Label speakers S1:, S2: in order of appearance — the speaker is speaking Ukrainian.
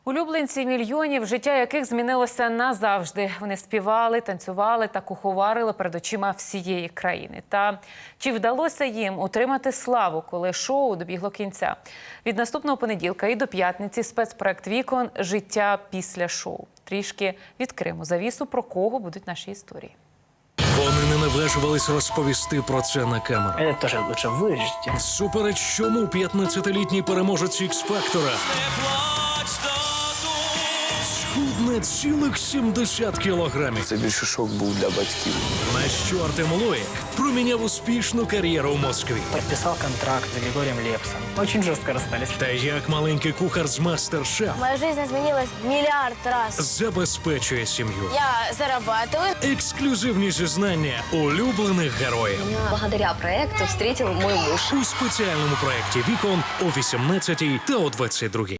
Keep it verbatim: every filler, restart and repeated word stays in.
S1: Улюбленці мільйонів, життя яких змінилося назавжди. Вони співали, танцювали та куховарили перед очима всієї країни. Та чи вдалося їм отримати славу, коли шоу добігло кінця? Від наступного понеділка і до п'ятниці спецпроект «Вікон. Життя після шоу». Трішки відкриємо завісу, про кого будуть наші історії.
S2: Вони не наважувались розповісти про це на камеру.
S3: Это тоже лучше вырежьте.
S2: Супереч чому п'ятнадцятилітній переможець Ікс-фактора схудне цілих сімдесят кілограмів.
S4: Це більше шок був для батьків.
S2: На що Артем Лоїк проміняв успішну кар'єру в Москві.
S3: Подписал контракт с Григорием Лепсом. Очень жестко расстались.
S2: Та як маленький кухар з «Мастер-шеф»
S5: Моя жизнь изменилась миллиард раз.
S2: забезпечує сім'ю.
S5: Я зарабатываю.
S2: Ексклюзивні зізнання улюблених героїв.
S6: Благодаря проекту встретил мой муж.
S2: У спеціальному проєкті «Вікон» о вісімнадцятій та о двадцять другій.